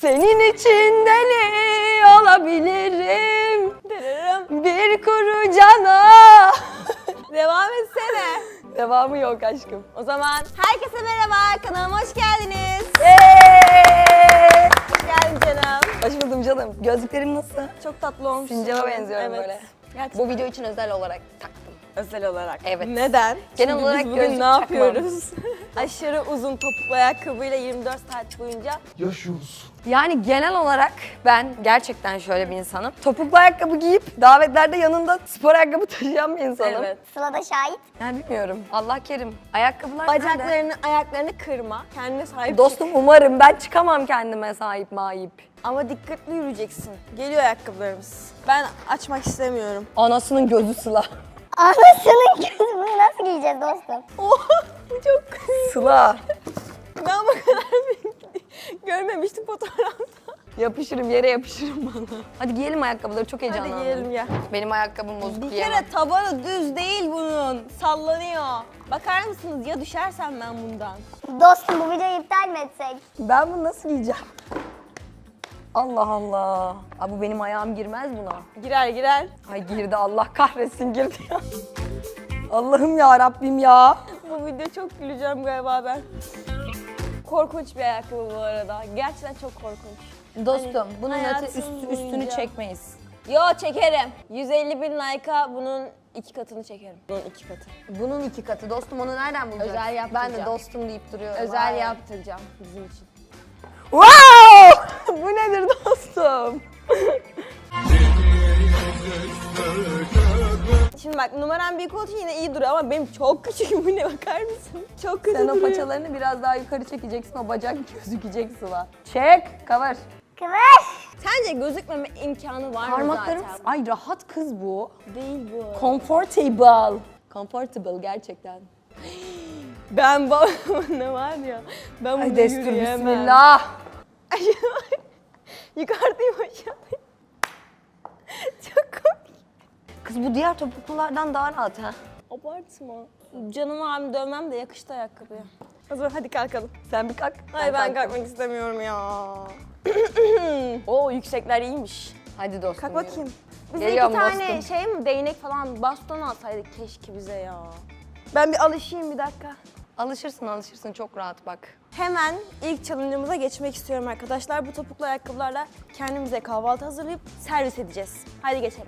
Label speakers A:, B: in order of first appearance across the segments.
A: Senin için deli olabilirim. Bir kuru cana.
B: Devam etsene.
A: Devamı yok aşkım.
B: O zaman herkese merhaba, kanalıma hoş geldiniz. Hoş geldin canım.
A: Hoş buldum canım. Gözlüklerim nasıl?
B: Çok tatlı olmuş.
A: Sincap'a benziyorum
B: Evet.
A: böyle.
B: Gerçekten.
A: Bu video için özel olarak taktım.
B: Özel olarak.
A: Evet.
B: Neden?
A: Genel
B: Çünkü
A: olarak
B: biz bugün
A: gözlük
B: ne
A: takmam.
B: yapıyoruz? Aşırı uzun topuklu ayakkabıyla 24 saat boyunca
C: yaşıyoruz.
A: Yani genel olarak ben gerçekten şöyle bir insanım. Topuklu ayakkabı giyip davetlerde yanında spor ayakkabı taşıyan bir insanım.
B: evet.
D: Sıla da şahit.
A: Yani bilmiyorum. Allah kerim. Ayakkabılar nerede?
B: Bacaklarını, ayaklarını kırma. Kendine sahip
A: Dostum umarım ben çıkamam kendime sahip mahip.
B: ama dikkatli yürüyeceksin. Geliyor ayakkabılarımız. Ben açmak istemiyorum.
A: Anasının gözü Sıla.
D: Anasının gözü, bunu nasıl giyeceğiz dostum?
B: Oha, bu çok
A: Sıla.
B: Ben bu kadar görmemiştim fotoğrafta.
A: Yapışırım yere yapışırım bana. Hadi giyelim ayakkabıları çok heyecanlandım.
B: Hadi giyelim ya.
A: Benim ayakkabım bozuk
B: Bir
A: giyemem.
B: kere tabanı düz değil bunun. Sallanıyor. Bakar mısınız ya düşersem ben bundan.
D: Dostum bu videoyu iptal mi etsek?
A: Ben bunu nasıl giyeceğim? Allah Allah. Abi bu benim ayağım girmez buna.
B: Girer girer.
A: Ay girdi Allah kahretsin girdi ya. Allah'ım ya Rabbim ya.
B: Bu video çok güleceğim galiba ben. Korkunç bir ayakkabı bu arada. Gerçekten çok korkunç.
A: Dostum bunun
B: hayatım
A: üstünü
B: boyunca-
A: çekmeyiz.
B: Yo çekerim. 150 bin like'a bunun 2 katını çekerim. Bunun 2 katı.
A: Bunun 2 katı. Dostum onu nereden bulacağız?
B: Özel
A: Ben de
B: yaptıracağım.
A: dostum deyip duruyorum.
B: Özel
A: Vay.
B: yaptıracağım bizim için.
A: Wow! Bu nedir dostum?
B: Şimdi bak numaram büyük olduğu için yine iyi duruyor ama benim çok küçük. Bu ne bakar mısın? Çok kötü
A: Sen o
B: duruyor.
A: paçalarını biraz daha yukarı çekeceksin. O bacak gözükecek Sıla. Çek, cover.
D: Kıvır.
B: Sence gözükmeme imkanı var mı
A: Parmaklarım.
B: zaten?
A: Ay rahat kız bu.
B: Değil bu.
A: Comfortable. Comfortable gerçekten.
B: Ben ne var ya? Ben bunu
A: Ay destur
B: yürüyemem.
A: bismillah.
B: Yukarıdayım aşağıdayım. Çok komik.
A: Kız bu diğer topuklulardan daha rahat ha.
B: Abartma. Canım abim dövmem de yakıştı ayakkabıya. O zaman hadi kalkalım.
A: Sen bir kalk.
B: Ay ben
A: kalktım.
B: kalkmak istemiyorum ya. Oo yüksekler iyiymiş.
A: Hadi dostum.
B: Kalk
A: yürü.
B: bakayım. Bize
A: Geliyorum
B: 2 tane
A: dostum.
B: şey mi değnek falan baston alsaydık keşke bize ya. Ben bir alışayım bir dakika.
A: Alışırsın çok rahat bak.
B: Hemen ilk challenge'ımıza geçmek istiyorum arkadaşlar. Bu topuklu ayakkabılarla kendimize kahvaltı hazırlayıp servis edeceğiz. Hadi geçelim.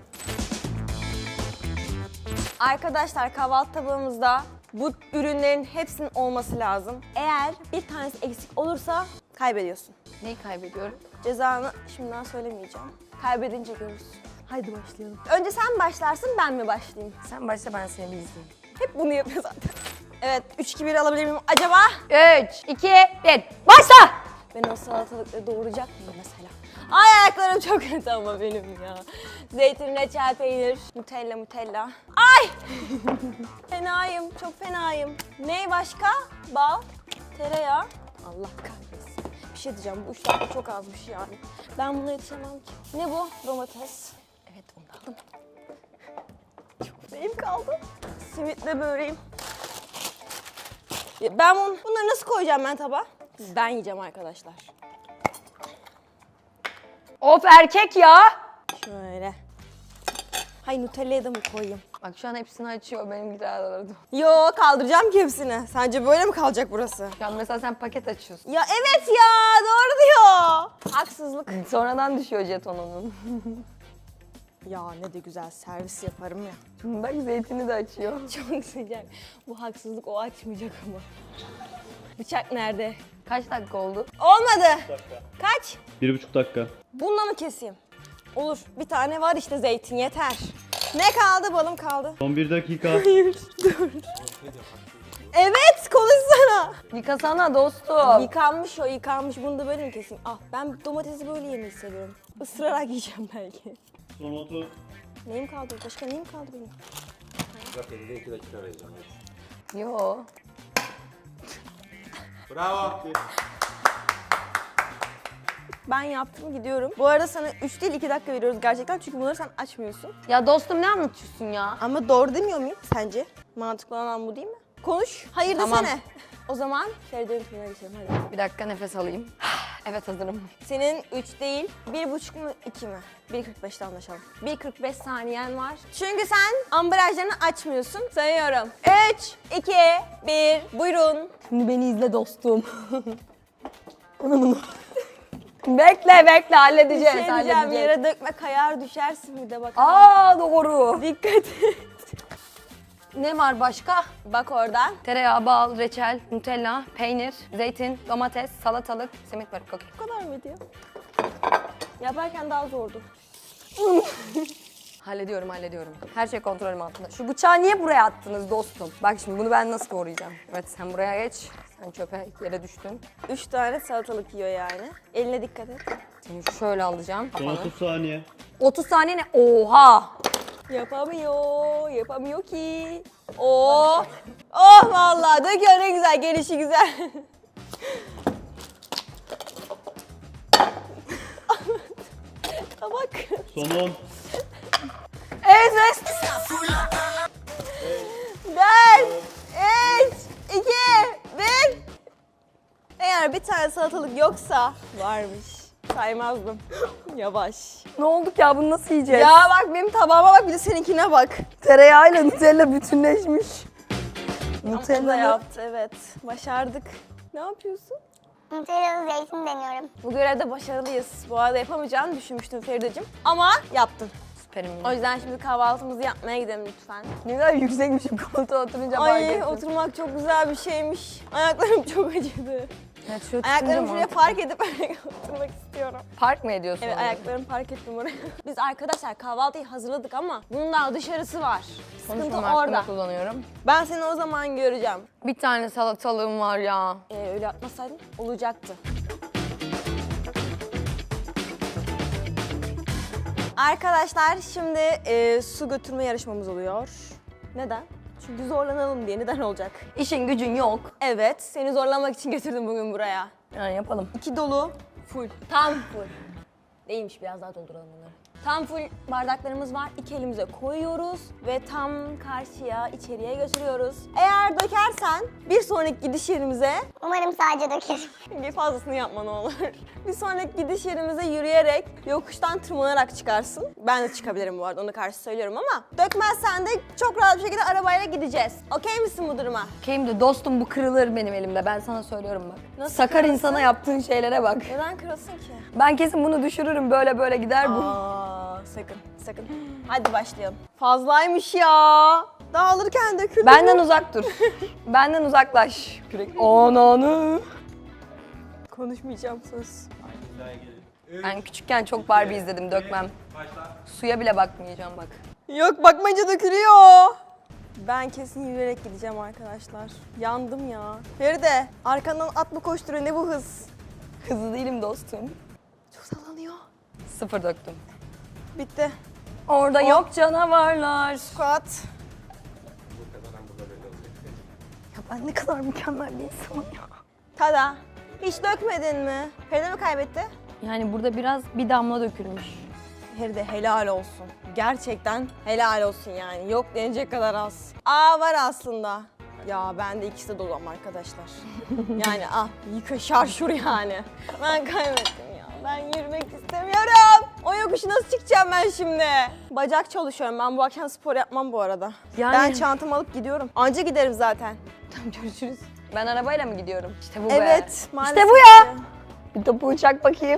B: Arkadaşlar kahvaltı tabağımızda bu ürünlerin hepsinin olması lazım. Eğer bir tanesi eksik olursa kaybediyorsun.
A: Neyi kaybediyorum?
B: Cezanı şimdiden söylemeyeceğim. Kaybedince görürsün. Haydi başlayalım. Önce sen başlarsın ben mi başlayayım?
A: Sen başla ben seni bir izleyeyim.
B: Hep bunu yapıyor zaten. Evet 3-2-1 alabilir miyim acaba?
A: 3, 2, 1. Başla!
B: Ben o salatalıkları doğuracak mıyım mesela? Ay ayaklarım çok kötü ama benim ya. Zeytin, reçel, peynir, Nutella. Ay! Fenayım, çok fenayım. Ne başka? Bal, tereyağı. Allah kahretsin. Bir şey diyeceğim, bu 3 dakika çok azmış yani. Ben buna yetişemem ki. Ne bu? Domates. Evet onu da aldım. Çok neyim kaldı? Simitle böreğim. Ya ben bunları nasıl koyacağım ben tabağa? Ben yiyeceğim arkadaşlar.
A: Of erkek ya!
B: Şöyle. Hay Nutella'ya da mı koyayım?
A: Bak şu an hepsini açıyor benim giderlerdi.
B: Yo kaldıracağım ki hepsini. Sence böyle mi kalacak burası?
A: Şu an mesela sen paket açıyorsun.
B: Ya evet ya doğru diyor. Haksızlık.
A: Sonradan düşüyor jetonunun.
B: Ya ne de güzel servis yaparım ya.
A: Bak zeytini de açıyor.
B: Çok sıcak. Bu haksızlık o açmayacak ama. Bıçak nerede?
A: Kaç dakika oldu?
B: Olmadı. Kaç?
C: 1,5 dakika.
B: Bununla mı keseyim? Olur. Bir tane var işte zeytin yeter. Ne kaldı? Balım kaldı.
C: Son 1 dakika.
B: Hayır dur. Evet konuşsana.
A: Yıkasana dostum.
B: Yıkanmış o yıkanmış. Bunu da böyle mi keseyim? Ah ben domatesi böyle yemeyi seviyorum. Isırarak yiyeceğim belki.
C: Son otu.
B: Neyim kaldı? Başka neyim kaldı benim?
E: Bak elinde 2 dakika arayacağım.
A: Yo.
E: Bravo.
B: Ben yaptım gidiyorum. Bu arada sana 3 değil 2 dakika veriyoruz gerçekten çünkü bunları sen açmıyorsun.
A: Ya dostum ne anlatıyorsun ya?
B: Ama doğru demiyor muyum sence? Mantıklı olan bu değil mi? Konuş. Hayır
A: Tamam.
B: desene. O zaman Feride'nin tümüne geçelim hadi.
A: Bir dakika nefes alayım. Evet hazırım.
B: Senin 3 değil, 1,5 mu 2 mi? 1.45'te anlaşalım. 1.45 saniyen var. Çünkü sen ambalajlarını açmıyorsun. Sayıyorum. 3, 2, 1, buyurun.
A: Şimdi beni izle dostum. Bekle halledeceğiz.
B: Şey diyeceğim, yere dökme kayar düşersin bir de bak.
A: Aa doğru.
B: Dikkat et.
A: Ne var başka?
B: Bak oradan.
A: Tereyağı, bal, reçel, nutella, peynir, zeytin, domates, salatalık, simit var. Okey.
B: Bu kadar mıydı ya? Yaparken daha zordu.
A: Hallediyorum. Her şey kontrolüm altında. Şu bıçağı niye buraya attınız dostum? Bak şimdi bunu ben nasıl doğrayacağım? Evet sen buraya geç. Sen çöpe yere düştün.
B: 3 tane salatalık yiyor yani. Eline dikkat et.
A: Seni şöyle alacağım.
C: Son 30 saniye.
A: 30 saniye ne? Oha!
B: Yapamıyor ki. Oh vallahi döküyor ne güzel, gelişi güzel. Bak.
C: Son 10.
A: Evet.
B: 4, 3, 2, 1. Eğer bir tane salatalık yoksa varmış. Saymazdım. Yavaş.
A: Ne olduk ya bunu nasıl yiyeceğiz?
B: Ya bak benim tabağıma bak, bir de seninkine bak.
A: Tereyağıyla Nutella bütünleşmiş.
B: O da
A: Nutella
B: yaptı, evet. Başardık. Ne yapıyorsun?
D: Nutellalı zeytin deniyorum.
B: Bu görevde başarılıyız. Bu arada yapamayacağını düşünmüştüm Feride'cim. Ama yaptın.
A: Süperim.
B: O yüzden şimdi kahvaltımızı yapmaya gidelim lütfen.
A: Ne kadar yüksekmişim koltuğa oturunca fark
B: Ay
A: ettim.
B: oturmak çok güzel bir şeymiş. Ayaklarım çok acıdı.
A: Evet, şöyle
B: Ayaklarımı
A: tutunca
B: şuraya
A: mantıklı.
B: park edip oturmak istiyorum.
A: Park mı ediyorsun?
B: Evet,
A: onu?
B: ayaklarımı park ettim oraya. Biz arkadaşlar kahvaltıyı hazırladık ama bunun daha dışarısı var. Sıkıntı
A: Konuşmam hakkında
B: orada.
A: kullanıyorum.
B: Ben seni o zaman göreceğim.
A: Bir tane salatalığım var ya.
B: Öyle yapmasaydın olacaktı. Arkadaşlar şimdi su götürme yarışmamız oluyor. Neden? Çünkü zorlanalım diye. Neden olacak?
A: İşin gücün yok.
B: Evet, seni zorlamak için getirdim bugün buraya.
A: Yani yapalım.
B: 2 dolu, full. Tam full. Değilmiş, biraz daha dolduralım bunları. Tam full bardaklarımız var. 2 elimize koyuyoruz ve tam karşıya, içeriye götürüyoruz. Eğer dökersen bir sonraki gidiş yerimize,
D: Umarım sadece dökerim.
B: bir fazlasını yapma ne olur. Bir sonraki gidiş yerimize yürüyerek, yokuştan tırmanarak çıkarsın. Ben de çıkabilirim bu arada, onu karşı söylüyorum ama dökmezsen de çok rahat bir şekilde arabayla gideceğiz. Okey misin bu duruma?
A: Okeyim de dostum bu kırılır benim elimde. Ben sana söylüyorum bak.
B: Nasıl
A: Sakar
B: kırılsın?
A: insana yaptığın şeylere bak.
B: Neden kırılsın ki?
A: Ben kesin bunu düşürürüm böyle gider bu.
B: Sakın. Hadi başlayalım. Fazlaymış ya. Dağılırken döküldü.
A: Benden uzak dur. Benden uzaklaş. Kürek. Ananı.
B: Konuşmayacağım, söz.
A: Ben küçükken çok Barbie izledim dökmem. Suya bile bakmayacağım bak.
B: Yok, bakmayınca dökülüyor. Ben kesin yürüyerek gideceğim arkadaşlar. Yandım ya. Feride, arkandan at mı koşturuyor, ne bu hız?
A: Hızlı değilim dostum.
B: Çok sallanıyor.
A: 0 döktüm.
B: Bitti.
A: Orada yok canavarlar.
B: Squat.
A: Ya ben ne kadar mükemmel bir insanım ya.
B: Tada. Hiç dökmedin mi? Feride mi kaybetti?
A: Yani burada biraz bir damla dökülmüş.
B: Feride helal olsun. Gerçekten helal olsun yani. Yok denecek kadar az. Aa, var aslında. Ya ben de ikisi de dolu ama arkadaşlar. Yani yıka şarşur yani. Ben kaybettim ya. Ben yürümek istemiyorum. O yokuşu nasıl çıkacağım ben şimdi? Bacak çalışıyorum. Ben bu akşam spor yapmam bu arada.
A: Yani-
B: Ben çantamı alıp gidiyorum. Anca giderim zaten.
A: Tamam görüşürüz. Ben arabayla mı gidiyorum? İşte bu be.
B: Evet, maalesef.
A: İşte bu ya.
B: ki.
A: Bir topuğu çak bakayım.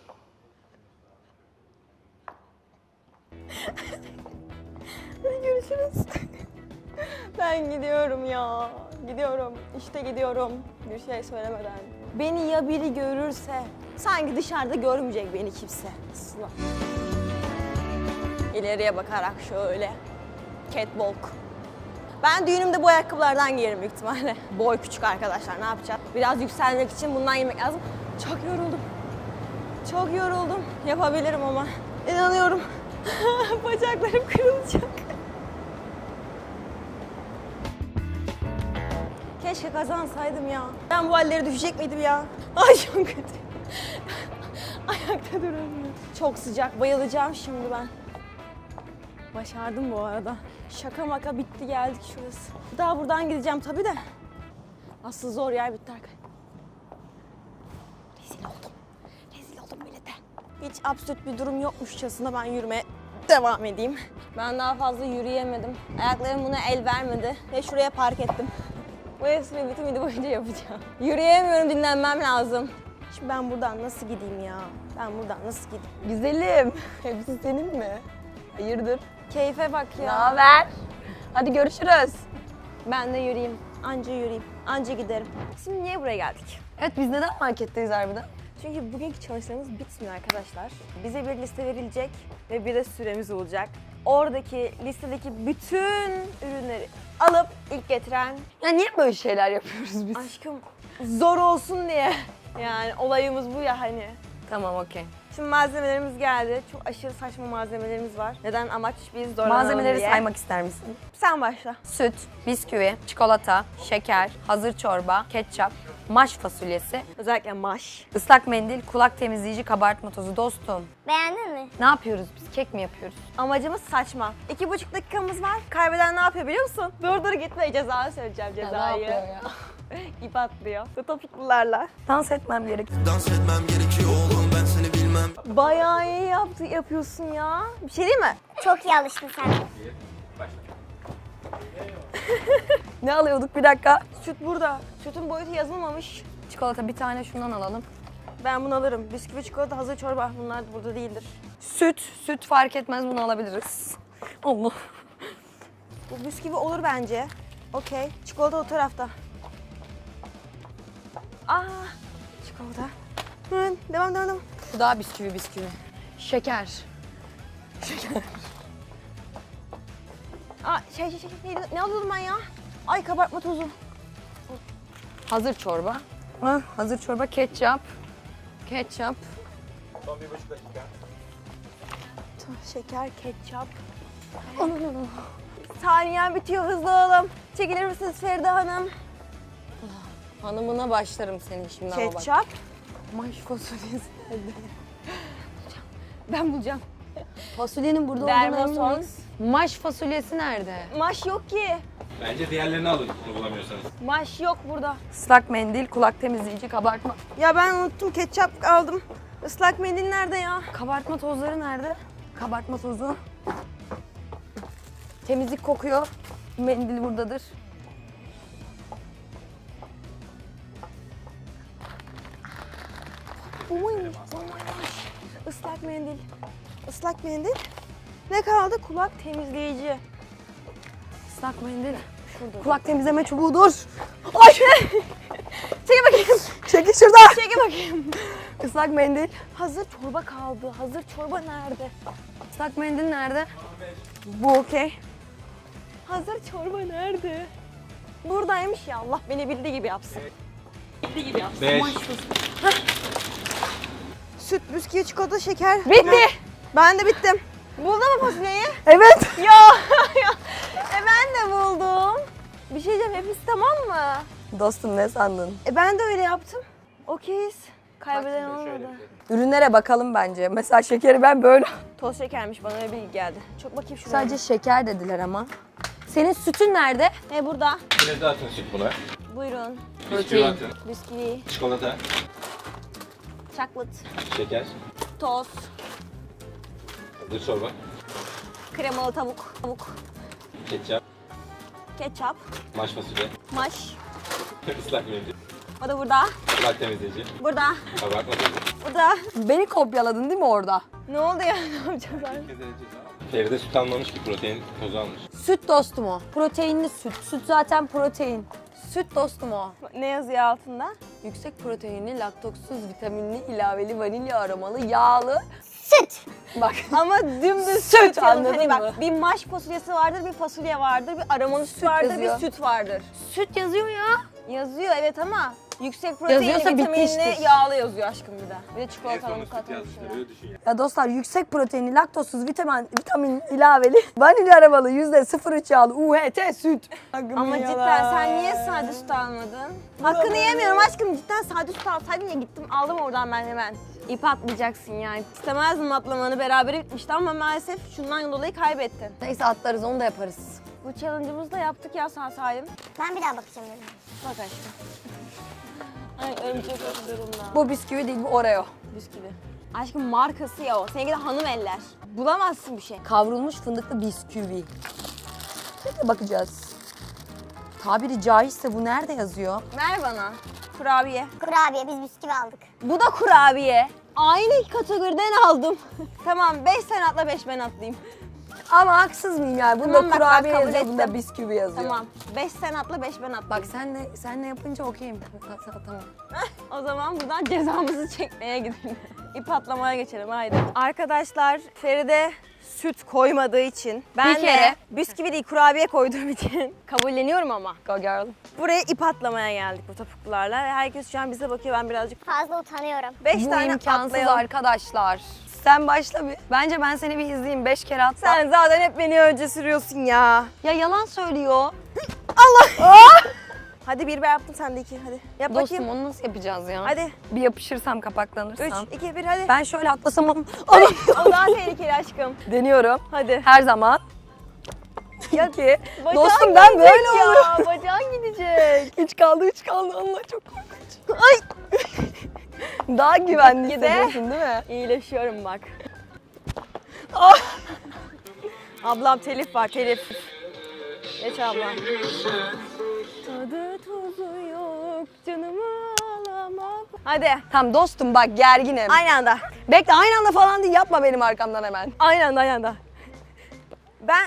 B: Görüşürüz. Ben gidiyorum ya. Gidiyorum. İşte gidiyorum. Bir şey söylemeden. Beni ya biri görürse, sanki dışarıda görmeyecek beni kimse. Asla. İleriye bakarak şöyle. Catwalk. Ben düğünümde bu ayakkabılardan giyerim büyük ihtimalle. Boy küçük arkadaşlar, ne yapacağız? Biraz yükselmek için bundan yemek lazım. Çok yoruldum. Çok yoruldum. Yapabilirim ama. İnanıyorum. Bacaklarım kırılacak. Keşke kazansaydım ya. Ben bu halleri düşecek miydim ya? Ay çok kötü. Ayakta duramıyorum. Çok sıcak, bayılacağım şimdi ben. Başardım bu arada. Şaka maka bitti, geldik şurası. Daha buradan gideceğim tabii de. Asıl zor yer bitti arkadaşlar. Rezil oldum. hiç absürt bir durum yokmuşçasına ben yürümeye devam edeyim. Ben daha fazla yürüyemedim. Ayaklarım buna el vermedi ve şuraya park ettim. Bu espriyi bütün video boyunca yapacağım. Yürüyemiyorum, dinlenmem lazım. Şimdi ben buradan nasıl gideyim ya? Ben buradan nasıl gideyim?
A: Güzelim. Hepsi senin mi? Hayırdır?
B: Keyfe bak ya.
A: Naber? Hadi görüşürüz.
B: Ben de yürüyeyim. Anca yürüyeyim. Anca giderim. Şimdi niye buraya geldik?
A: Evet biz neden marketteyiz harbiden?
B: Çünkü bugünkü çalışmamız bitmiyor arkadaşlar. Bize bir liste verilecek ve bir de süremiz olacak. Oradaki listedeki bütün ürünleri alıp ilk getiren
A: Ya niye böyle şeyler yapıyoruz biz?
B: aşkım zor olsun diye. Yani olayımız bu ya hani.
A: Tamam okey.
B: Şimdi malzemelerimiz geldi. Çok aşırı saçma malzemelerimiz var. Neden? Amaç biz zorlanalım
A: Malzemeleri
B: diye.
A: saymak ister misin?
B: Sen başla.
A: Süt, bisküvi, çikolata, şeker, hazır çorba, ketçap, maş fasulyesi,
B: Özellikle maş.
A: ıslak mendil, kulak temizleyici, kabartma tozu. Dostum,
D: Beğendin mi?
A: ne yapıyoruz biz? Kek mi yapıyoruz?
B: Amacımız saçma. 2,5 dakikamız var. Kaybeden ne yapıyor biliyor musun? Dur gitme, cezayı söyleyeceğim, cezayı.
A: ya?
B: İp atlıyor. Ve topuklularla.
A: Dans etmem gerek.
F: Dans etmem gerekiyor oğlum ben seni bilmem.
B: Bayağı iyi yapıyorsun ya. Bir şey değil mi?
D: Çok iyi alıştın sen.
A: Ne alıyorduk bir dakika?
B: Süt burada. Sütün boyutu yazılmamış.
A: Çikolata bir tane şundan alalım.
B: Ben bunu alırım. Bisküvi, çikolata, hazır çorba. Bunlar burada değildir.
A: Süt fark etmez bunu alabiliriz. Allah.
B: Bu bisküvi olur bence. Okey. Çikolata o tarafta. Çikolata. Hı, devam.
A: Bu daha bisküvi. Şeker.
B: Şey. Ne alıyordum ben ya? Ay, kabartma tozu.
A: Hazır çorba. Hazır çorba, ketçap.
E: Son 1,5 dakika.
B: Şeker, ketçap. Saniyen bitiyor, hızlı olalım. Çekilir misiniz Feride Hanım?
A: Hanımına başlarım senin şimdi ama bak.
B: Ketçap.
A: Maş fasulyesi.
B: Ben bulacağım.
A: Fasulyenin burada olduğuna emin
B: Dermoson.
A: miyiz? Maş fasulyesi nerede?
B: Maş yok ki.
E: Bence diğerlerini alın bunu bulamıyorsanız.
B: Maş yok burada.
A: Islak mendil, kulak temizleyici, kabartma.
B: Ya ben unuttum, ketçap aldım. Islak mendil nerede ya?
A: Kabartma tozları nerede? Kabartma tozu. Temizlik kokuyor. Mendil buradadır.
B: Bu muymuş? Islak mendil. Islak mendil. Ne kaldı? Kulak temizleyici.
A: Islak mendil.
B: Şurada.
A: Kulak temizleme çubuğudur. Ay!
B: Çekil bakayım.
A: Çekil şuradan.
B: Çekil bakayım.
A: Islak mendil.
B: Hazır çorba kaldı. Hazır çorba nerede?
A: Islak mendil nerede?
B: Bu okey. Hazır çorba nerede? Buradaymış ya. Allah beni bildiği gibi yapsın.
E: 5.
B: Süt, bisküvi, çikolata, şeker.
A: Bitti.
B: Ben de bittim. Buldun mu fasulyeyi?
A: Evet.
B: Ya, ben de buldum. Bir şey diyeceğim, hepsi tamam mı?
A: Dostum ne sandın?
B: Ben de öyle yaptım. Okeyiz. Kaybeden olmadı.
A: Ürünlere bakalım bence. Mesela şekeri ben böyle.
B: Toz şekermiş, bana öyle bilgi geldi. Çok bakayım şuraya.
A: Sadece şeker dediler ama. Senin sütün nerede?
B: Burada.
E: Yine de atın süt buna.
B: Buyurun.
E: Bisküvi atın.
B: Bisküvi,
E: Çikolata,
B: chocolate,
E: şeker,
B: toz,
E: hazır çorba,
B: kremalı tavuk,
E: ketçap,
B: ketçap,
E: maş fasulye,
B: maş.
E: ıslak mendil,
B: O da burada.
E: kulak temizleyici,
B: Burada.
E: kabartma tozu.
B: Burada.
A: Beni kopyaladın değil mi orada?
B: Ne oldu ya? Ne yapacağız ben?
E: Feride süt almamış ki protein tozu almış.
A: Süt dostum o. Proteinli süt. Süt zaten protein. Süt dostum o.
B: Ne yazıyor altında?
A: Yüksek proteinli, laktoksuz, vitaminli, ilaveli, vanilya aromalı, yağlı.
D: Süt.
A: Bak.
B: Ama dümdüz
A: Süt,
B: süt yazıyor.
A: anladın
B: Hani
A: mı?
B: bak, bir maş fasulyesi vardır, bir fasulye vardır, bir aromalı süt vardır,
A: yazıyor.
B: bir süt vardır.
A: Süt yazıyor ya.
B: Yazıyor evet ama yüksek proteinli,
A: Yazıyorsa
B: vitaminli,
A: bitmiştir.
B: yağlı yazıyor aşkım bir de. Bir de
E: En
B: çikolatalı
E: sonunda süt
B: mukata
E: yazmışlar öyle düşün ya.
A: Ya dostlar yüksek proteinli, laktozsuz, vitamin ilaveli, vanilya aromalı, %03 yağlı, UHT süt.
B: Ama cidden sen niye sade süt almadın? Hakkını yemiyorum aşkım, cidden sade süt alsaydın ya, gittim aldım oradan ben hemen. İp atlayacaksın yani. İstemezdim atlamanı, beraber bitmişti ama maalesef şundan dolayı kaybettin.
A: Neyse atlarız onu da yaparız.
B: Bu challenge'ımızı da yaptık ya sağ salim.
D: Ben bir daha bakacağım dedim.
B: Bak aşkım. Ay örümcek öldü durumda.
A: Bu bisküvi değil bu Oreo.
B: Bisküvi. Aşkım markası ya o. Seninki de hanım eller. Bulamazsın bir şey.
A: Kavrulmuş fındıklı bisküvi. Şimdi bakacağız. Tabiri caizse bu nerede yazıyor?
B: Ver bana. Kurabiye.
D: Kurabiye biz bisküvi aldık.
B: Bu da kurabiye. Aynı kategoriden aldım. Tamam 5 sen atla 5 ben atlayayım.
A: Ama haksız mıyım yani? Bunda
B: Tamam, bak, ben
A: kurabiye
B: kabul
A: yazıyor, bunda
B: ettim.
A: bisküvi yazıyor.
B: Tamam 5 sen atla 5 ben atlayayım.
A: Bak senle yapınca okeyim. Tamam.
B: O zaman buradan cezamızı çekmeye gidelim. İp atlamaya geçelim haydi. Arkadaşlar Feride süt koymadığı için ben
A: Bir
B: de
A: kere.
B: bisküvi değil kurabiye koyduğum için kabulleniyorum ama.
A: Go girl.
B: Buraya ip atlamaya geldik bu topuklularla ve herkes şu an bize bakıyor ben birazcık
D: Fazla utanıyorum.
B: 5
A: Bu
B: tane
A: imkansız
B: atlayalım.
A: arkadaşlar. Sen başla bir. Bence ben seni bir izleyeyim. 5 kere atla.
B: Sen zaten hep beni önce sürüyorsun ya.
A: Ya yalan söylüyor.
B: Hadi bir ben yaptım sen de 2 hadi. Yap
A: Dostum
B: bakayım.
A: onu nasıl yapacağız ya?
B: Hadi
A: Bir yapışırsam
B: 3
A: kapaklanırsam.
B: 2 1 hadi.
A: Ben şöyle atlasam
B: Ay, o daha tehlikeli aşkım.
A: deniyorum.
B: Hadi.
A: Her zaman. Ya ki.
B: Bacağın
A: Dostum ben
B: gidecek
A: böyle
B: ya.
A: oluyorum.
B: Bacağın gidecek.
A: 3 kaldı. Allah çok korkunç. Ay. Daha güvenli
B: Gitgide.
A: hissediyorsun değil mi?
B: İyileşiyorum bak.
A: Ah!
B: Ablam telif var telif. Geç ablam. Tadı tuzu yok canımı alamak. Hadi
A: Tamam dostum bak gerginim.
B: aynı anda.
A: Bekle aynı anda falan değil yapma benim arkamdan hemen.
B: Aynı anda aynı anda. Ben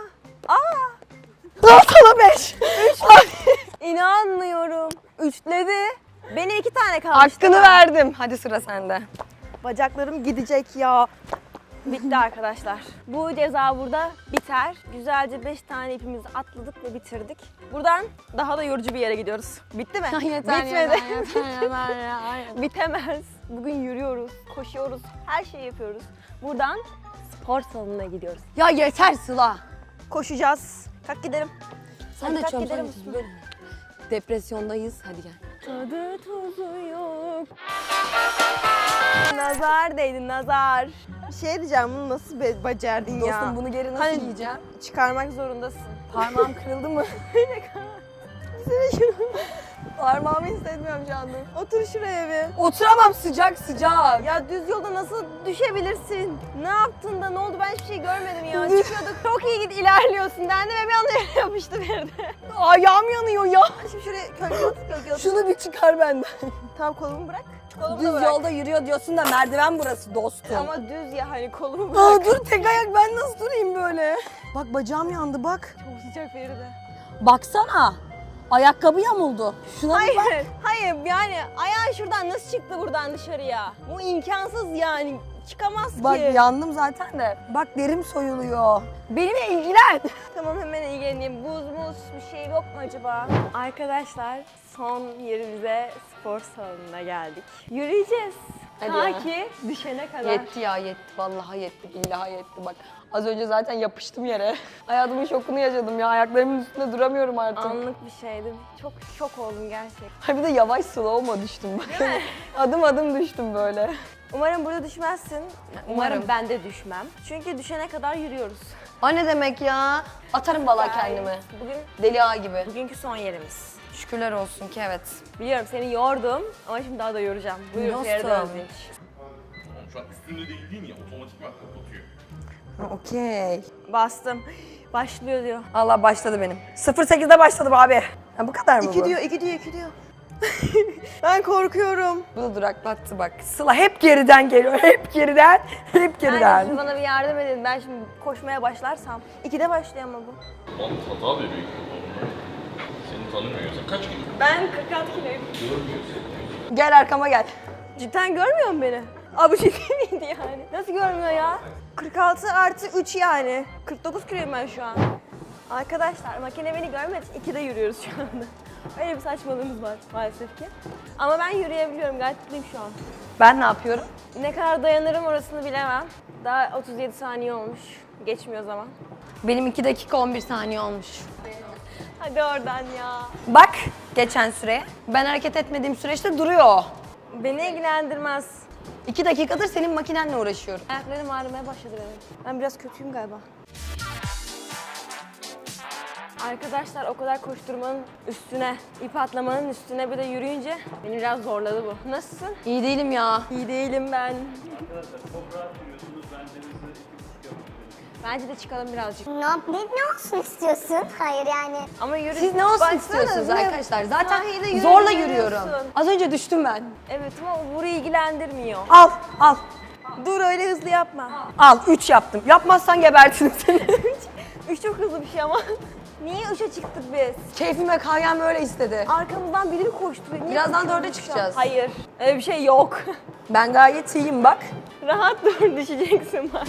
A: Sana 5.
B: inanmıyorum. Üçledi. Benim 2 tane kaldı.
A: Hakkını verdim. Hadi sıra sende.
B: Bacaklarım gidecek ya. Bitti arkadaşlar. Bu ceza burada biter. Güzelce 5 tane ipimizi atladık ve bitirdik. Buradan daha da yorucu bir yere gidiyoruz. Bitti mi? Bitmedi. Bitemez. Bugün yürüyoruz, koşuyoruz, her şeyi yapıyoruz. Buradan spor salonuna gidiyoruz.
A: Ya yeter Sıla.
B: Koşacağız. Kalk gidelim.
A: Sen
B: Hadi
A: de
B: kalk
A: çöm
B: gidelim.
A: Depresyondayız. Hadi gel.
B: Tadı tuzu yok. Nazar değdi nazar. Bir şey diyeceğim bunu nasıl becerdin ya?
A: Dostum bunu geri nasıl
B: Hani-
A: yiyeceğim?
B: Çıkarmak zorundasın.
A: Parmağım kırıldı mı? Parmağımı hissetmiyorum şu anda.
B: Otur şuraya bir.
A: Oturamam sıcak.
B: Ya düz yolda nasıl düşebilirsin? Ne yaptın da ne oldu ben hiçbir şey görmedim ya. Çıkıyorduk çok iyi ilerliyorsun dendi ve bir anda yere yapıştı verdi.
A: Ayağım yanıyor ya.
B: Şimdi şuraya kölge at.
A: Şunu bir çıkar benden.
B: Tamam kolumu bırak. Kolumu da
A: Düz
B: bırak.
A: yolda yürüyor diyorsun da merdiven burası dostum.
B: Ama düz ya hani kolumu bırak.
A: Aa, dur tek ayak ben nasıl durayım böyle? Bak bacağım yandı bak.
B: Çok sıcak Feride.
A: Baksana. Ayakkabı yamuldu. Şuna bir bak.
B: Hayır yani ayağın şuradan nasıl çıktı buradan dışarıya? Bu imkansız yani. Çıkamaz
A: Bak
B: ki.
A: yandım zaten de. Bak derim soyuluyor. Benimle ilgilen.
B: Tamam hemen ilgileneyim. Buz muz bir şey yok mu acaba? Arkadaşlar son yerimize spor salonuna geldik. Yürüyeceğiz.
A: Hadi
B: Ta
A: ya.
B: ki düşene kadar.
A: Yetti ya yetti. Vallahi yetti. Billahi yetti. Bak az önce zaten yapıştım yere. Hayatımın şokunu yaşadım ya. Ayaklarımın üstünde duramıyorum artık.
B: Anlık bir şeydi. Çok şok oldum gerçekten.
A: Ha bir de yavaş slow'ma düştüm. Bak. Adım adım düştüm böyle.
B: Umarım burada düşmezsin.
A: Umarım.
B: ben de düşmem. Çünkü düşene kadar yürüyoruz.
A: O ne demek ya? Atarım bala
B: Yani
A: kendimi.
B: Bugün
A: Deli ağa gibi.
B: bugünkü son yerimiz.
A: Şükürler olsun ki evet.
B: Biliyorum seni yordum ama şimdi daha da yoracağım. Buyur
A: Dostum.
B: Feride Özdeş.
G: Şu an üstünde değil ya otomatikman kapatıyor.
A: Okey.
B: Bastım. Başlıyor diyor.
A: Allah başladı benim. 08'de başladım abi. Ha, bu kadar mı bu?
B: 2 diyor. Ben korkuyorum.
A: Bu da duraklattı bak. Sıla hep geriden geliyor. Hep geriden. Hep geriden.
B: Yani siz bana bir yardım edin. Ben şimdi koşmaya başlarsam. 2'de başlıyor ama bu.
G: Oğlum hata da büyük. Seni tanımıyor. Sen kaç kilo?
B: Ben 46 kiloyum.
A: Gel arkama gel.
B: Cidden görmüyor musun beni? Abi ciddi miydi yani? Nasıl görmüyor ya? 46 artı 3 yani. 49 kiloyum ben şu an. Arkadaşlar makine beni görmedi. 2'de yürüyoruz şu anda. Öyle bir saçmalığımız var maalesef ki. Ama ben yürüyebiliyorum. Gayet mutluyum şu an.
A: Ben ne yapıyorum?
B: Ne kadar dayanırım orasını bilemem. Daha 37 saniye olmuş. Geçmiyor zaman.
A: Benim 2 dakika 11 saniye olmuş.
B: Hadi oradan ya.
A: Bak geçen süreye. Ben hareket etmediğim süreçte duruyor o.
B: Beni ilgilendirmez.
A: 2 dakikadır senin makinenle uğraşıyorum.
B: Ayaklarım ağrımaya başladı benim. Ben biraz kötüyüm galiba. Arkadaşlar o kadar koşturmanın üstüne, ip atlamanın üstüne bir de yürüyünce beni biraz zorladı bu. Nasılsın?
A: İyi değilim ya.
B: İyi değilim ben.
C: Arkadaşlar çok rahat yürüyorsunuz. Ben denize 2,5 yapıyorum.
B: Bence de çıkalım birazcık.
D: Ne olsun istiyorsun? Hayır yani.
B: Ama yürü.
A: Siz ne olsun
B: Baksana,
A: istiyorsunuz
B: böyle
A: arkadaşlar? Zaten
B: sahilde
A: zorla
B: yürüyorsun.
A: yürüyorum. Az önce düştüm ben.
B: Evet ama o burayı ilgilendirmiyor.
A: Al, al.
B: Dur öyle hızlı yapma.
A: Al, 3 yaptım. Yapmazsan gebertirim seni.
B: 3 çok hızlı bir şey ama. Niye 3'e çıktık biz?
A: Keyfime kayan böyle istedi.
B: Arkamızdan biri mi koşturuyor? Niye
A: Birazdan
B: koşuyoruz
A: 4'e
B: şu an?
A: çıkacağız.
B: Hayır. Öyle bir şey yok.
A: Ben gayet iyiyim bak.
B: Rahat dur düşeceksin bak.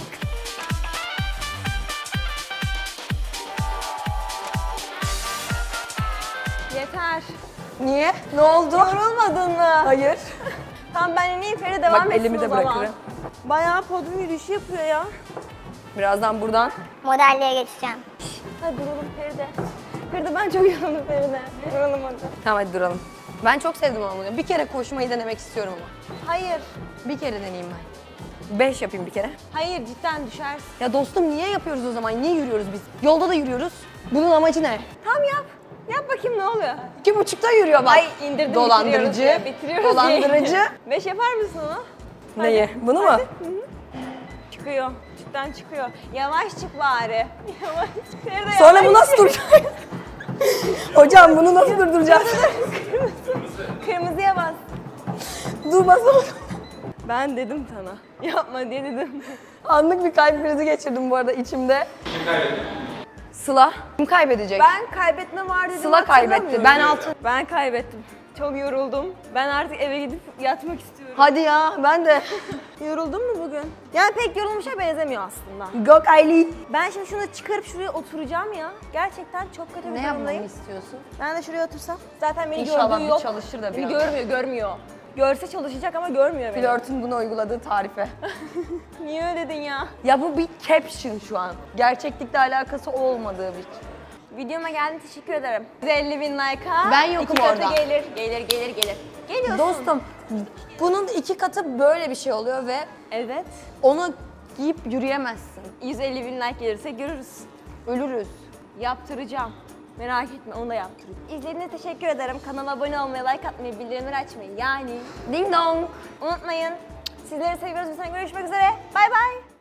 B: Yeter.
A: Niye? Ne oldu?
B: Yorulmadın mı?
A: Hayır.
B: Tamam ben ineyim Feride devam
A: Bak
B: etsin
A: elimi de
B: o zaman.
A: bırakırım.
B: Bayağı podyum yürüyüşü yapıyor ya.
A: Birazdan buradan.
D: Modelliğe geçeceğim.
B: Hadi duralım Feride. Feride ben çok yoruldum Feride. Duralım hadi.
A: Tamam hadi duralım. Ben çok sevdim ama bunu. Bir kere koşmayı denemek istiyorum ama.
B: Hayır.
A: Bir kere deneyeyim ben. 5 yapayım bir kere.
B: Hayır cidden düşersin.
A: Ya dostum niye yapıyoruz o zaman? Niye yürüyoruz biz? Yolda da yürüyoruz. Bunun amacı ne?
B: Tamam yap. Yap bakayım ne oluyor?
A: 2,5'ta yürüyor bak.
B: Ay indirdim
A: Dolandırıcı.
B: bitiriyoruz
A: Dolandırıcı.
B: 5 yapar mısın onu?
A: Neyi? Bunu mu?
B: Çıkıyor. Cidden çıkıyor. Yavaş çık bari. Yavaş çık. Feride
A: Sonra
B: yavaş
A: bu nasıl
B: çık.
A: duracak? Hocam bunu nasıl durduracağız?
B: Kırmızıya bas.
A: Dur basalım.
B: Ben dedim sana. Yapma diye dedim.
A: Anlık bir kalp krizi geçirdim bu arada içimde. Kim kaybetti? Sıla. Kim kaybedecek?
B: Ben kaybetme var dedim.
A: Sıla kaybetti.
B: hatırlamıyorum.
A: Ben altın.
B: Ben kaybettim. Çok yoruldum. Ben artık eve gidip yatmak istiyorum.
A: Hadi ya ben de.
B: Yoruldun mu bugün? Yani pek yorulmuşa benzemiyor aslında.
A: Go Kylie.
B: Ben şimdi şunu çıkarıp şuraya oturacağım ya. Gerçekten çok kötü bir
A: Ne yapmamı
B: durumdayım.
A: istiyorsun?
B: Ben de şuraya otursam. Zaten beni
A: İnşallah
B: gördüğü
A: bir
B: yok.
A: çalışır da bir
B: Beni
A: anda.
B: görmüyor. Görse çalışacak ama görmüyor beni.
A: Flörtün bunu uyguladığı tarife.
B: Niye öyle dedin ya?
A: Ya bu bir caption şu an. Gerçeklikle alakası olmadığı bir.
B: Videoma geldin teşekkür ederim. 150 bin like'a.
A: Ben yokum
B: 2 katı
A: orada.
B: gelir. Gelir. Geliyorsun.
A: Dostum bunun 2 katı böyle bir şey oluyor ve
B: Evet.
A: onu giyip yürüyemezsin.
B: 150 bin like gelirse görürüz.
A: Ölürüz.
B: Yaptıracağım. Merak etme onu da yaptıracağım. İzlediğiniz için teşekkür ederim. Kanala abone olmayı, like atmayı, bildirimleri açmayı yani
A: Ding dong.
B: unutmayın. Sizleri seviyoruz. Görüşmek üzere. Bay bay.